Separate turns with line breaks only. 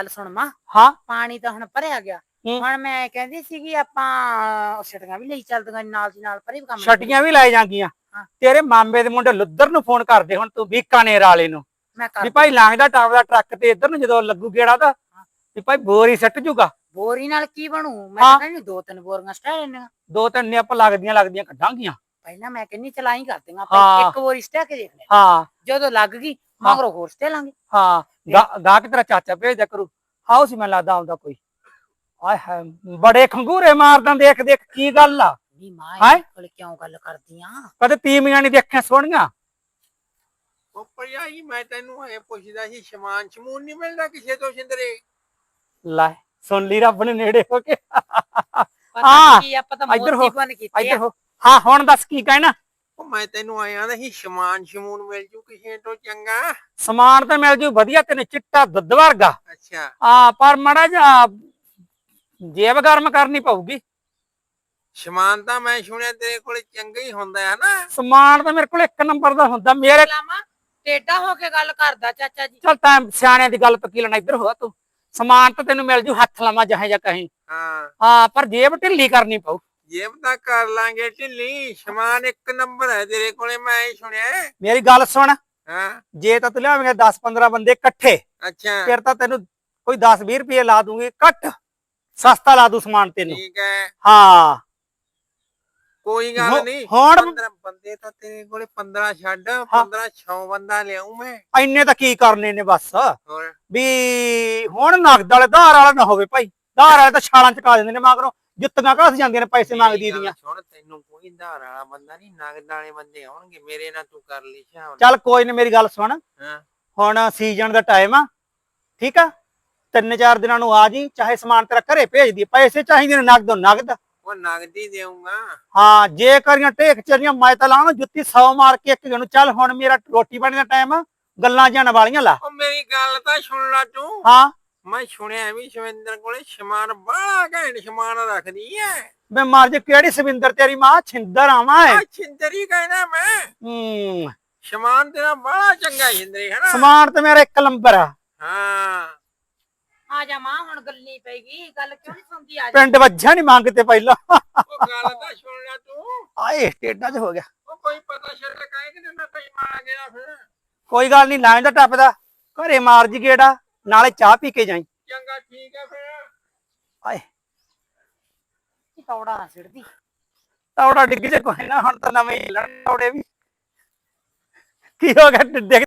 ਗੱਲ ਸੁਣ ਮਾਂ,
ਹਾਂ
ਪਾਣੀ ਤਾਂ ਹੁਣ ਭਰਿਆ ਗਿਆ। ਹੁਣ ਮੈਂ ਕਹਿੰਦੀ ਸੀਗੀ ਆਪਾਂ ਛਟੀਆਂ ਵੀ ਲਈ ਚੱਲਦੀਆਂ ਨਾਲ ਦੀ ਨਾਲ ਪਰੇ ਵੀ ਕੰਮ
ਛਟੀਆਂ ਵੀ ਲੈ ਜਾਂਗੀਆਂ। ਤੇਰੇ ਮਾਮੇ ਦੇ ਮੁੰਡੇ ਲੁੱਦਰ ਨੂੰ ਫੋਨ ਕਰਦੇ ਹੁਣ ਤੂੰ ਬੀਕਾਨੇਰ ਵਾਲੇ ਨੂੰ ਵੀ ਭਾਈ ਲੰਘਦਾ ਟੱਪਦਾ ਟਰੱਕ ਤੇ ਇੱਧਰ ਨੂੰ ਜਦੋਂ ਲੱਗੂ ਗੇੜਾ ਦਾ ਵੀ ਭਾਈ ਬੋਰੀ ਸੱਟ ਜੂਗਾ।
ਬੋਰੀ ਨਾਲ ਕੀ ਬਣੂ? ਮੈਂ ਤਾਂ ਕਹਿੰਦੀ 2-3 ਬੋਰੀਆਂ ਸਟਾ ਲੈਣੀਆਂ।
2-3 ਨੇ ਆਪਾਂ ਲੱਗਦੀਆਂ ਕੱਢਾਂਗੀਆਂ।
ਪਹਿਲਾਂ ਮੈਂ ਕਹਿੰਦੀ ਚਲਾਈ ਕਰਦੀਆਂ ਆਪਾਂ, ਇੱਕ ਬੋਰੀ ਸਟਾ ਕੇ ਦੇਖ ਲੈ।
ਹਾਂ
ਜਦੋਂ ਲੱਗ ਗਈ ਮਗਰੋਂ ਹੋਰ ਸਟਾ ਲਾਂਗੇ।
ਹਾਂ ਗਾਹਕ ਤੇਰਾ ਚਾਚਾ ਭੇਜਦਾ ਕਰੂ। ਹਾਉ ਸੀ ਮੈਨੂੰ ਲੱਗਦਾ ਆਉਂਦਾ ਕੋਈ। ਆਏ ਹਾਏ ਬੜੇ ਖੰਗੂਰੇ ਮਾਰਦਾ ਦੇਖ ਦੇਖ ਕੀ ਗੱਲ ਆ?
ਨੀ ਮਾਂ ਇਹ ਕੋਲ ਕਿਉਂ ਗੱਲ ਕਰਦੀਆਂ?
ਕਦੇ ਤੀਵੀਆਂ ਨਹੀਂ ਦੇਖੀਆਂ ਸੋਹਣੀਆਂ।
ਉਹ ਭਰਜਾਈ ਮੈਂ ਤੈਨੂੰ ਇਹ ਪੁੱਛਦਾ ਸੀ ਸਮਾਨ ਸਮੂਨ ਨਹੀਂ ਮਿਲਦਾ ਕਿਸੇ ਤੋਂ ਸਿੰਦਰੇ?
ਲੈ ਸੁਣ ਲਈ ਰੱਬ ਨੇ ਨੇੜੇ ਹੋ ਕੇ।
ਪਤਾ ਕੀ ਆਪਾਂ ਤਾਂ ਮੋਤੀ ਬਣ ਕੀਤੇ ਆ।
ਹਾਂ ਹੁਣ ਦੱਸ ਕੀ ਕਹਿਣਾ?
ਉਹ ਮੈਂ ਤੈਨੂੰ ਆਇਆ ਦਾ ਸੀ ਸਮਾਨ ਸਮੂਨ ਮਿਲ ਜੂ ਕਿਸੇ ਤੋਂ ਚੰਗਾ?
ਸਮਾਨ ਤਾਂ ਮਿਲ ਜੂ ਵਧੀਆ ਤੈਨੂੰ ਚਿੱਟਾ ਦੁੱਧ ਵਰਗਾ।
ਅੱਛਾ
ਹਾਂ ਪਰ ਮਾੜਾ ਜਿਹਾ ਜੇਬ ਗਰਮ ਕਰਨੀ ਪਊਗੀ।
ਸਮਾਨ ਤਾਂ ਮੈਂ ਸੁਣਿਆ ਤੇਰੇ ਕੋਲ ਚੰਗਾ ਹੀ ਹੁੰਦਾ ਹੈ ਨਾ?
ਸਮਾਨ ਤਾਂ ਮੇਰੇ ਕੋਲ ਇੱਕ ਨੰਬਰ ਦਾ ਹੁੰਦਾ। ਮੇਰੇ
ਟੇਡਾ ਹੋ ਕੇ ਗੱਲ ਕਰਦਾ ਚਾਚਾ ਜੀ।
ਚੱਲ ਤਾਂ ਸਿਆਣਿਆਂ ਦੀ ਗੱਲ ਤੋਂ ਕੀ ਲੈਣਾ, ਇੱਧਰ ਹੋਆ ਤੂੰ। ਸਮਾਨ ਤਾਂ ਤੈਨੂੰ ਮਿਲ ਜੂ ਹੱਥ ਲਾਵਾਂ ਜਹਾਂ ਜਾਂ ਕਹੀਂ। ਹਾਂ ਪਰ ਜੇਬ ਢਿੱਲੀ ਕਰਨੀ ਪਊ।
ਜੇਬ ਤਾਂ ਕਰ ਲਾਂਗੇ ਢਿੱਲੀ, ਸਮਾਨ ਇੱਕ ਨੰਬਰ ਹੈ ਤੇਰੇ ਕੋਲੇ ਮੈਂ ਹੀ ਸੁਣਿਆ।
ਮੇਰੀ ਗੱਲ ਸੁਣ,
ਹਾਂ
ਜੇ ਤਾਂ ਤੂੰ ਲਿਆਵੇਂਗਾ 10-15 ਬੰਦੇ ਇਕੱਠੇ
ਅੱਛਾ
ਫਿਰ ਤਾਂ ਤੈਨੂੰ ਕੋਈ 10-20 ਰੁਪਏ ਲਾ ਦੂੰਗੀ ਘੱਟ, ਸਸਤਾ ਲਾ ਦੂ ਸਮਾਨ ਤੈਨੂੰ।
ਠੀਕ ਹੈ
ਹਾਂ
ਕੋਈ ਗੱਲ ਨਹੀਂ।
ਹੁਣ
15 ਬੰਦੇ ਤਾਂ ਤੇਰੇ ਕੋਲੇ 15 ਛੱਡ 1500 ਬੰਦਾ ਲਿਆਉ ਮੈਂ।
ਇੰਨੇ ਤਾਂ ਕੀ ਕਰਨੇ ਨੇ ਬਸ
ਹੋਰ
ਵੀ ਹੁਣ ਨਗਦ ਵਾਲੇ ਧਾਰ ਵਾਲਾ ਨਾ ਹੋਵੇ ਭਾਈ। ਧਾਰ ਵਾਲੇ ਤਾਂ ਛਾਲਾਂ ਚਕਾ ਦਿੰਦੇ ਨੇ ਮਗਰੋਂ, ਜੁੱਤੀਆਂ ਘਸ ਜਾਂਦੀਆਂ ਨੇ ਪੈਸੇ ਮੰਗਦੀ ਦੀਆਂ।
ਸੁਣ ਤੈਨੂੰ ਕੋਈ ਧਾਰ ਵਾਲਾ ਬੰਦਾ ਨਹੀਂ, ਨਗਦ ਵਾਲੇ ਬੰਦੇ ਆਉਣਗੇ ਮੇਰੇ ਨਾਲ ਤੂੰ ਕਰ ਲਈ ਸ਼ਾਮ।
ਚੱਲ ਕੋਈ ਨੀ ਮੇਰੀ ਗੱਲ ਸੁਣ,
ਹਾਂ
ਹੁਣ ਸੀਜ਼ਨ ਦਾ ਟਾਈਮ ਆ ਠੀਕ ਆ, 3-4 ਦਿਨਾਂ ਨੂੰ ਆ ਜੀ, ਚਾਹੇ ਸਮਾਨ ਤੇਰਾ ਘਰੇ ਭੇਜ ਦੀ। ਪੈਸੇ ਚਾਹੀਦੇ ਨੇ ਨਗਦ ਨਗਦ।
ਉਹ ਨਗਦੀ ਦੇਊਂਗਾ।
ਹਾਂ ਜੇ ਕਰੀਆਂ ਟੇਕ ਚਰੀਆਂ ਮੈਂ ਤਾਂ ਲਾਵਾਂ ਜੁੱਤੀ 100 ਮਾਰ ਕੇ ਇੱਕ ਨੂੰ। ਚੱਲ ਹੁਣ ਮੇਰਾ ਰੋਟੀ ਪਾਣੀ ਦਾ ਟਾਈਮ ਆ, ਗੱਲਾਂ ਜਾਣ ਵਾਲੀਆਂ ਲਾ।
ਉਹ ਮੇਰੀ ਗੱਲ ਤਾਂ ਸੁਣ ਲੈ ਤੂੰ।
ਹਾਂ
ਮੈਂ ਸੁਣਿਆ ਵੀ ਸ਼ਵਿੰਦਰ ਕੋਲੇ ਸਮਾਨ ਬੜਾ ਘੈਂਟ ਸਮਾਨ ਰੱਖਦੀ ਐ।
ਮੈਂ ਮਰ ਜੇ ਕਿਹੜੀ ਸਵਿੰਦਰ ਤੇਰੀ ਮਾਂ ਛਿੰਦਰ ਆਵਾਂ ਏ।
ਛਿੰਦਰੀ ਕਹਿਣਾ ਮੈਂ। ਸਮਾਨ ਤੇਰਾ ਬੜਾ ਚੰਗਾ ਛਿੰਦਰੀ ਹੈ ਨਾ?
ਸਮਾਨ ਤੇ ਮੇਰਾ ਇੱਕ ਨੰਬਰ ਆ।
ਹਾਂ
ਆ ਜਾ ਮਾਂ ਹੁਣ ਗੱਲਨੀ ਪੈਗੀ। ਗੱਲ ਕਿਉਂ ਨਹੀਂ ਸੁਣਦੀ? ਆ ਜਾ।
ਪਿੰਡ ਵੱਜਾ ਨਹੀਂ ਮੰਗਤੇ ਪਹਿਲਾਂ।
ਉਹ ਗੱਲ ਤਾਂ ਸੁਣ ਲੈ ਤੂੰ।
ਆਏ ਟੇਡਾ ਚ ਹੋ ਗਿਆ।
ਉਹ ਕੋਈ ਪਤਾ ਛੱਡ ਕਾਇ ਕਿ ਮੈਂ ਕਈ ਮਾਰ ਗਿਆ ਫਿਰ।
ਕੋਈ ਗੱਲ ਨਹੀਂ ਲੰਘਦਾ ਟੱਪਦਾ ਘਰੇ ਮਾਰ ਜੀ ਗੇੜਾ, ਨਾਲੇ ਚਾਹ ਪੀ ਕੇ ਜਾਈ।
ਚੰਗਾ ਠੀਕ ਹੈ ਫਿਰ।
ਆਏ
ਤੌੜਾ ਨਾ ਸਿੜਦੀ।
ਤੌੜਾ ਡਿੱਗ ਜੇ ਕੋਈ ਨਾ, ਹੁਣ ਤਾਂ ਨਵੇਂ ਹਿੱਲਣ ਤੌੜੇ ਵੀ। ਕੀ ਹੋ ਗਿਆ?